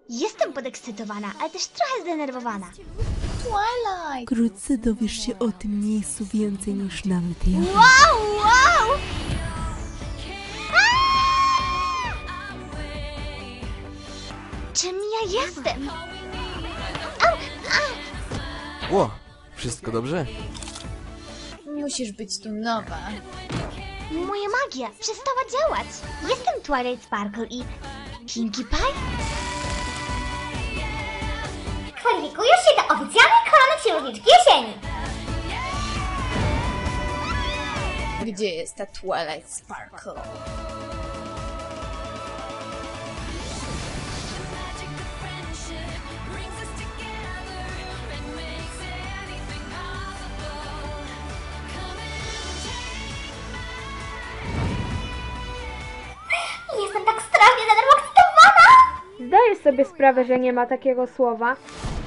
Jestem podekscytowana, ale też trochę zdenerwowana. Twilight! Wkrótce dowiesz się o tym miejscu więcej niż nawet ja. Wow, wow! Czym ja jestem? Ło, wszystko dobrze? Musisz być tu nowa. Moja magia przestała działać. Jestem Twilight Sparkle i... Pinkie Pie? Kwalifikujesz się do oficjalnej korony księżniczki jesieni. Gdzie jest ta Twilight Sparkle? Jestem tak strasznie zademokscytowana. Zdajesz sobie sprawę, że nie ma takiego słowa?